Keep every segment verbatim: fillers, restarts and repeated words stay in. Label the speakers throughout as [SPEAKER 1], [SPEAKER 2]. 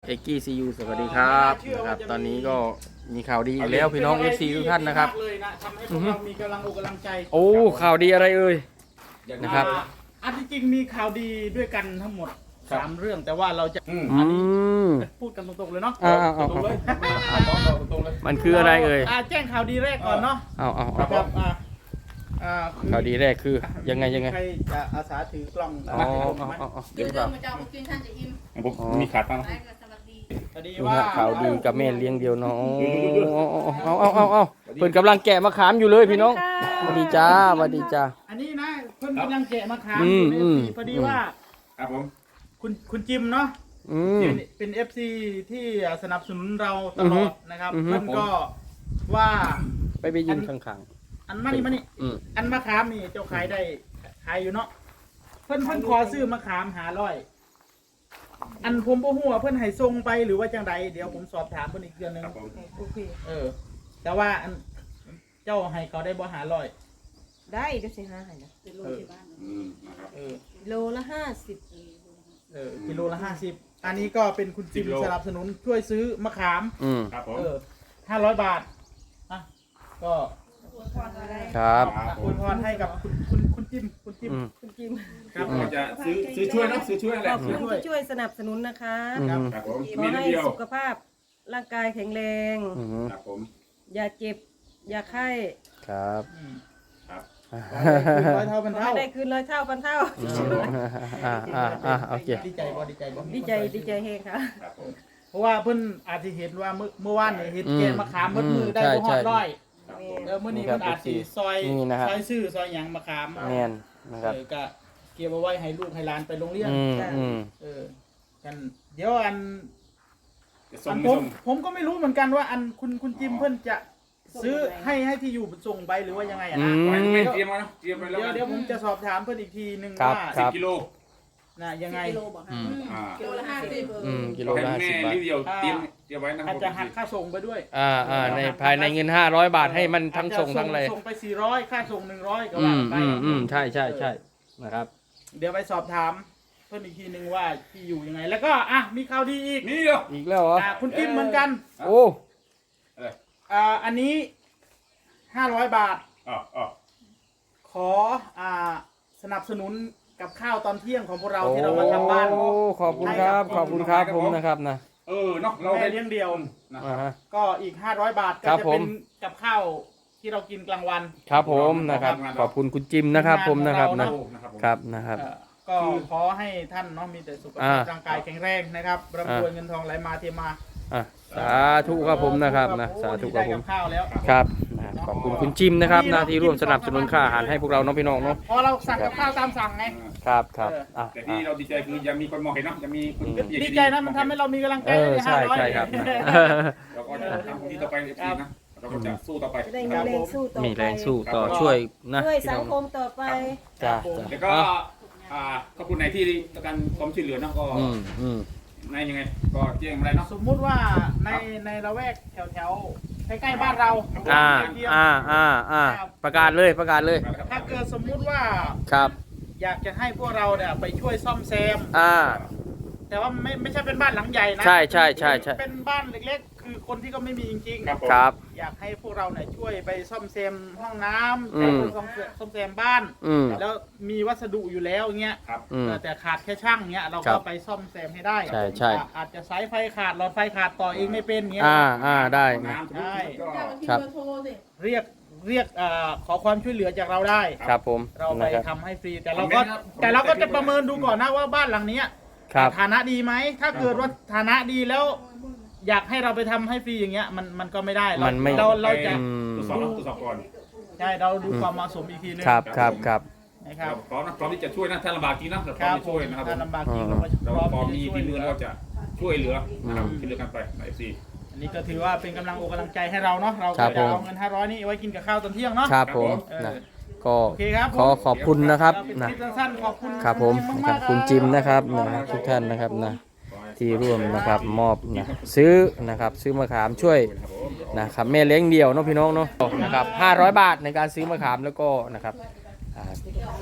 [SPEAKER 1] เอ็กกี้ซียูสวัสดีครับนะครับตอนนี้ก็มีข่าวดีอีกแล้วพี่น้อง เอฟ ซี ทุกท่านนะครับ
[SPEAKER 2] เลยนะทำให้พวกเรามีกำลังอกกำลังใจ
[SPEAKER 1] โอ้ข่าวดีอะไรเอ่ยนะครับ
[SPEAKER 2] อ่าอันที่จริงมีข่าวดีด้วยกันทั้งหมดสามเรื่องแต่ว่าเราจะ
[SPEAKER 1] อืม
[SPEAKER 2] พูดกันตรงๆเลยเนาะ
[SPEAKER 1] อ่าเอา
[SPEAKER 3] ตรงเลย ตรงเลย
[SPEAKER 1] มันคืออะไรเอ่ย
[SPEAKER 2] าแจ้งข่าวดีแรกก่อนเนาะ
[SPEAKER 1] เอาเอา
[SPEAKER 2] ครั
[SPEAKER 1] เอา
[SPEAKER 2] บอ่าอ่าคือ
[SPEAKER 1] ข่าวดีแรกคือยังไงยังไง
[SPEAKER 2] ใครจะอาสาถือกล้อง
[SPEAKER 1] อ๋อ
[SPEAKER 2] มาให้ผม
[SPEAKER 1] เอา
[SPEAKER 2] ไหม
[SPEAKER 1] เอาเอา
[SPEAKER 4] เดี๋ยวเดินมาจะเอากินท่านจะอิ่ม
[SPEAKER 3] ผมมีขาตั้ง
[SPEAKER 4] ไปก็สวัสดี
[SPEAKER 2] พอดี
[SPEAKER 1] ดู
[SPEAKER 2] ว่า
[SPEAKER 1] ฮะข่าวดีกับแม่เลี้ยงเดียวเนาะเอาเอาเอาเอาเอาเพิ่นกำลังแกะมะขามอยู่เลยพี่น้องสวัสดีจ้าสวัสดีจ้า
[SPEAKER 2] อันนี้นะเพิ่นกำลังแกะมะขาม
[SPEAKER 1] อื
[SPEAKER 2] อ
[SPEAKER 1] ม
[SPEAKER 2] ยู่ใน
[SPEAKER 1] อืม
[SPEAKER 2] ปีพอดีว่า
[SPEAKER 3] ครับผม
[SPEAKER 2] คุณคุณจิมเนาะ
[SPEAKER 1] อืม
[SPEAKER 2] เป็นเป็น เอฟ ซี ที่สนับสนุนเราตลอดนะครับ
[SPEAKER 1] อือฮึ
[SPEAKER 2] เพิ่นก็ว่า
[SPEAKER 1] ไปไปยืนข้าง
[SPEAKER 2] อันมานี่มานี่
[SPEAKER 1] ๆอืม
[SPEAKER 2] อันมะขามนี่เจ้าขายได้ขายอยู่เนาะเพิ่นเพิ่นขอซื้อมะขามหาร้อยอันผมบ่ฮู้ว่าเพิ่นให้ส่งไปหรือว่าจังใดเดี๋ยวผมสอบถามเพิ่นอีกเทื่อนึง
[SPEAKER 3] ครับผม
[SPEAKER 4] โอเค
[SPEAKER 2] เออ แต่ว่าอันเจ้าให้เขาได้บ่หาร้อย
[SPEAKER 5] ได้เดี๋ยวสิห้าให้นะ
[SPEAKER 4] เป็นโรงพยาบาล
[SPEAKER 3] อืมนะครับ
[SPEAKER 2] เออ
[SPEAKER 5] โลละห้าสิบ
[SPEAKER 2] เออกิโลละห้าสิบอันนี้ก็เป็นคุณจิมสนับสนุนช่วยซื้อมะขาม
[SPEAKER 1] อืม
[SPEAKER 3] ครับผม
[SPEAKER 2] เออห้าร้อยบาทอ่ะก็
[SPEAKER 1] ครับ
[SPEAKER 2] อวยพรให้กับคุณคุณคุณจิมคุณจิม
[SPEAKER 1] อืม
[SPEAKER 5] คุณจิม
[SPEAKER 2] ครับ
[SPEAKER 3] เราจะซื้อซื้อช่วยเนาะซื้อช่วยอะไร
[SPEAKER 5] ขอบคุณที่ช่วยสนับสนุนนะคะ
[SPEAKER 1] อืม
[SPEAKER 3] ครับผม
[SPEAKER 5] ขอ
[SPEAKER 3] มีนิด
[SPEAKER 5] ให้
[SPEAKER 3] เดียว
[SPEAKER 5] สุขภาพร่างกายแข็งแรง
[SPEAKER 1] อืม
[SPEAKER 3] ครับผม
[SPEAKER 5] อย่าเจ็บ อย่าไข้
[SPEAKER 1] ครับ
[SPEAKER 2] อืม
[SPEAKER 3] ครับ
[SPEAKER 2] ร้อยเท่าพัน
[SPEAKER 5] ขอ
[SPEAKER 2] เท่า
[SPEAKER 5] ให้ได้คืนร้อยเท่าพันเท่า
[SPEAKER 1] อ่าอ่าอ่าโอเค
[SPEAKER 2] ดีใจบ่ดีใจบ่
[SPEAKER 5] ดีใจดีใจเฮงค่ะ
[SPEAKER 3] ครับผม
[SPEAKER 2] เพราะว่าเพิ่นอาจจะเห็นว่าเมื่อเมื่อวานเนี่ยเห็น
[SPEAKER 1] อืม
[SPEAKER 2] แกะมะขามมืดมือได้
[SPEAKER 1] ใช่
[SPEAKER 2] บ่ฮอด
[SPEAKER 1] ใช่
[SPEAKER 2] ร้อย
[SPEAKER 3] ครับผ
[SPEAKER 5] แม่
[SPEAKER 3] ม
[SPEAKER 2] เออมื้อนี้เพิ่นอาจสิซอย
[SPEAKER 1] นี่นะครับ
[SPEAKER 2] ซอยซื้อซอยหยังมะขาม
[SPEAKER 1] แม่นนะครับ
[SPEAKER 2] เออก็เก็บเอาไว้ให้ลูกให้หลานไปโรงเรียน
[SPEAKER 1] อืมอืม
[SPEAKER 2] เออกันเดี๋ยวอัน
[SPEAKER 3] จะส่
[SPEAKER 2] อั
[SPEAKER 3] ง
[SPEAKER 2] น
[SPEAKER 3] ไม่
[SPEAKER 2] ผม
[SPEAKER 3] ส่ง
[SPEAKER 2] ผมก็ไม่รู้เหมือนกันว่าอันคุณคุณจิมเพิ่นจะซื้อให้ให้ที่อยู่ส่งไปหรือว่ายังไงอะนะ
[SPEAKER 1] อื
[SPEAKER 3] ไว้
[SPEAKER 1] ม
[SPEAKER 3] ไม่เตรียมมาเนาะเตรียมไปแล้ว
[SPEAKER 2] เดี๋ยวเดี๋ยวผมจะสอบถามเพิ่นอีกทีนึง
[SPEAKER 1] ครับ
[SPEAKER 2] ว่า
[SPEAKER 1] ค
[SPEAKER 3] สิ
[SPEAKER 1] รั
[SPEAKER 3] บบ กิโล
[SPEAKER 2] นะยังไง
[SPEAKER 4] กิโลบอก
[SPEAKER 1] อืม
[SPEAKER 3] อ่า
[SPEAKER 4] กิโลละห้าสิบ
[SPEAKER 1] อืมกิโล
[SPEAKER 3] ให้
[SPEAKER 1] ละห้า
[SPEAKER 3] แม่
[SPEAKER 1] สิบบาท
[SPEAKER 3] นิดเดียวเตรียมเตรียมไว้นะค
[SPEAKER 2] อา
[SPEAKER 3] รั
[SPEAKER 2] จ
[SPEAKER 3] บ
[SPEAKER 2] จะหักค่าส่งไปด้วย
[SPEAKER 1] อ่าอ่าในภายในเงินห้าร้อยบาทให้มันทั้งส่งทั้งอะไร
[SPEAKER 2] ส่งไปสี่ร้อยค่าส่งหนึ่งร้อยก็
[SPEAKER 1] อื
[SPEAKER 2] ว่าม ไป
[SPEAKER 1] อืมอืมใช่ใช่ใช่นะครับ
[SPEAKER 2] เดี๋ยวไปสอบถามเพิ่นอีกทีนึงว่าที่อยู่ยังไง แล้วก็อ่ะมีข่าวดีอีก
[SPEAKER 3] นี่เดียว
[SPEAKER 1] อีกแล้วเหรอ
[SPEAKER 2] อ่ะคุณจิมเหมือนกัน
[SPEAKER 1] โอ้
[SPEAKER 2] อ่าอันนี้ห้าร้อยบาท
[SPEAKER 3] อ๋ออ๋อ
[SPEAKER 2] ขออ่าสนับสนุนกับข้าวตอนเที่ยงของพวกเราที่เรามาทำบ้าน
[SPEAKER 1] โอ้ขอบคุณครับ ขอบคุณครับผมนะครับนะ
[SPEAKER 3] เออเนาะเรา
[SPEAKER 2] แม่
[SPEAKER 3] ให้
[SPEAKER 2] เลี้ยงเดียว
[SPEAKER 3] นะค
[SPEAKER 1] อ่า
[SPEAKER 3] รับ
[SPEAKER 1] ฮะ
[SPEAKER 2] ก็อีกห้าร้อยบาทก็
[SPEAKER 1] ครับ
[SPEAKER 2] จะ
[SPEAKER 1] ผ
[SPEAKER 2] เป็
[SPEAKER 1] ม
[SPEAKER 2] นกับข้าวที่เรากินกลางวัน
[SPEAKER 1] ครับผมนะครับ ขอบคุณคุณจิมนะครับผมนะครับนะ
[SPEAKER 3] นะครับผม
[SPEAKER 1] ครับนะครับ
[SPEAKER 2] เอ่อก็ขอให้ท่านเนาะมีแต่สุขภาพ
[SPEAKER 1] อ่า
[SPEAKER 2] ร่างกายแข็งแรงนะครับร่ำรวยเงินทองไหลมาเทมา
[SPEAKER 1] อ่ะสาธุครับผมนะครับนะสาธุครับผม
[SPEAKER 2] ได้กับข้าวแล้ว
[SPEAKER 1] ครับนะขอบคุณคุณจิมนะครับนะที่ร่วมสนับสนุนค่าอาหารให้พวกเราเนาะพี่น้องเนาะ
[SPEAKER 2] พอเราสั่งกับข้าวตามสั่งไง
[SPEAKER 1] ครับครับอ่ะ
[SPEAKER 3] แต่ที่เราดีใจคือยังมีคนมองเห็นเนาะยังมีคน
[SPEAKER 2] ดีใจนะมันทำให้เรามีกำลังใจ
[SPEAKER 1] เออ
[SPEAKER 2] ใน
[SPEAKER 1] ใช่
[SPEAKER 2] ห้าร้อย
[SPEAKER 1] ใช่ครับนะ
[SPEAKER 3] เราก็จะทำที่ต่อไปอีกทีนะเราก็จะสู้ต่อไป
[SPEAKER 5] จะได้มีแรงสู้ต่อไป
[SPEAKER 1] มีแรงสู้ต่อช่วยนะ
[SPEAKER 5] ช่วย
[SPEAKER 1] พี่
[SPEAKER 5] สั
[SPEAKER 1] น้
[SPEAKER 5] ง
[SPEAKER 1] อง
[SPEAKER 5] คมต่อไป
[SPEAKER 1] จ้า
[SPEAKER 3] แล้วก็อ่าขอบคุณในที่ต้องการความช่วยเหลือเนาะก็
[SPEAKER 1] อืมอืม
[SPEAKER 3] ในยังไงก็แจ้งมาได้เนาะ
[SPEAKER 2] สมมุติว่าในในละแวกแถวแถวๆใกล้ๆบ้านเรา
[SPEAKER 1] อ่าอ่าอ่าอ่าประกาศเลยประกาศเลย
[SPEAKER 2] ถ้าเกิดสมมุติว่า
[SPEAKER 1] ครับ
[SPEAKER 2] อยากจะให้พวกเราเนี่ยไปช่วยซ่อมแซม
[SPEAKER 1] อ่า
[SPEAKER 2] แต่ว่าไม่ไม่ใช่เป็นบ้านหลังใหญ่นะ
[SPEAKER 1] ใช่ใช่ใช่ใช่
[SPEAKER 2] เป็นบ้านเล็กๆ คือคนที่ก็ไม่มีจริง
[SPEAKER 3] ครับผม
[SPEAKER 1] ครับ
[SPEAKER 2] ๆ อยากให้พวกเราเนี่ยช่วยไปซ่อมแซมห้องน้ำ
[SPEAKER 1] อื
[SPEAKER 2] ไป
[SPEAKER 1] ม
[SPEAKER 2] ซ่อมแซมซ่อมแซมบ้าน
[SPEAKER 1] อืม
[SPEAKER 2] แล้วมีวัสดุอยู่แล้วเงี้ย
[SPEAKER 3] ครับ
[SPEAKER 1] อืม
[SPEAKER 2] แต่แต่ขาดแค่ช่างเงี้ยเรา
[SPEAKER 1] ครั
[SPEAKER 2] ก็
[SPEAKER 1] บ
[SPEAKER 2] ไปซ่อมแซมให้ได้
[SPEAKER 1] ใช่ใช่
[SPEAKER 2] อ่ะอาจจะสายไฟขาดหลอดไฟขาดต่อเองไม่เป็นเงี้ย
[SPEAKER 1] อ่าอ่าได้นะ
[SPEAKER 3] น้ำทุกทีก็
[SPEAKER 4] เจ้าที่
[SPEAKER 1] ครับ
[SPEAKER 4] เบอร์โทรสิ
[SPEAKER 2] เรียกเรียกเอ่อขอความช่วยเหลือจากเราได้
[SPEAKER 1] ครับผม
[SPEAKER 2] เราไป
[SPEAKER 1] นะครับ
[SPEAKER 2] ทำให้ฟรี แต่เราก็แต่เราก็จะประเมินดูก่อนนะว่าบ้านหลังเนี้ย
[SPEAKER 1] ครับ
[SPEAKER 2] ฐานะดีไหมถ้าเกิดว่าฐานะดีแล้ว อยากให้เราไปทำให้ฟรีอย่างเงี้ยมันมันก็ไม่ได้เรา
[SPEAKER 1] มันไม่
[SPEAKER 2] เราเราจะ
[SPEAKER 1] อืม
[SPEAKER 3] ตรวจสอบตรวจสอบก่อน
[SPEAKER 2] ใช่เราดูความเหมาะสมอีกทีนึง
[SPEAKER 1] ครับครับครับ
[SPEAKER 2] นะครับ
[SPEAKER 3] พร้อมนะพร้อมที่จะช่วยนะถ้าลำบากจริงนะเราพ
[SPEAKER 2] ค
[SPEAKER 3] ร้อม
[SPEAKER 2] รับ
[SPEAKER 3] ที่ช่วยนะครับผ
[SPEAKER 2] ถ้าม ลำบากจริง
[SPEAKER 1] อื
[SPEAKER 2] เรา
[SPEAKER 1] ม
[SPEAKER 2] ก็
[SPEAKER 3] เรา
[SPEAKER 2] พร้อม
[SPEAKER 3] พอมี
[SPEAKER 2] ที่จะช่วย
[SPEAKER 3] ที่มือ
[SPEAKER 2] เหลื
[SPEAKER 3] เรา
[SPEAKER 2] อ
[SPEAKER 3] จะช่วยเหลือนะครับ
[SPEAKER 1] อืม
[SPEAKER 3] ช่วยเหลือกันไปในเอฟซี
[SPEAKER 2] อันนี้ก็ถือว่าเป็นกำลังอกกำลังใจให้เราเนาะเรา
[SPEAKER 1] ครั
[SPEAKER 2] ก็
[SPEAKER 1] บ
[SPEAKER 2] จะ
[SPEAKER 1] ผม
[SPEAKER 2] เอาเงินห้าร้อยนี่ไว้กินกับข้าวตอนเที่ยงเนาะ
[SPEAKER 1] ครับผม
[SPEAKER 2] เออ
[SPEAKER 1] นะก็
[SPEAKER 2] โอเคครับ
[SPEAKER 1] ขอขอบคุณนะครับ
[SPEAKER 2] เป็น
[SPEAKER 1] นะ
[SPEAKER 2] คลิปสั้นๆขอบคุณ
[SPEAKER 1] ครับผม
[SPEAKER 2] จิ
[SPEAKER 1] นะ
[SPEAKER 2] ม
[SPEAKER 1] ครั
[SPEAKER 2] มา
[SPEAKER 1] บ
[SPEAKER 2] กๆ
[SPEAKER 1] คุณจิมนะครับนะทุกท่านนะครับนะที่ร่วมนะครับมอบนะซื้อนะครับซื้อมะขามช่วยนะครับแม่เลี้ยงเดี่ยวเนาะพี่น้องเนาะนะครับห้าร้อยบาทในการซื้อมะขามแล้วก็นะครับอ่า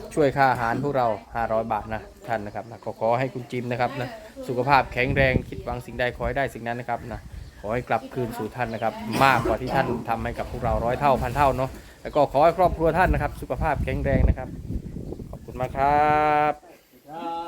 [SPEAKER 1] ช่วยค่าอาหารพวกเราห้าร้อยบาทนะท่านนะครับนะก็ขอให้คุณจิมนะครับนะสุขภาพแข็งแรงคิดหวังสิ่งใดขอให้ได้สิ่งนั้นนะครับนะขอให้กลับคืนสู่ท่านนะครับมากกว่าที่ท่านทำให้กับพวกเราร้อยเท่าพันเท่าเนาะแล้วก็ขอให้ครอบครัวท่านนะครับสุขภาพแข็งแรงนะครับขอบคุณมากครับ
[SPEAKER 2] ครับ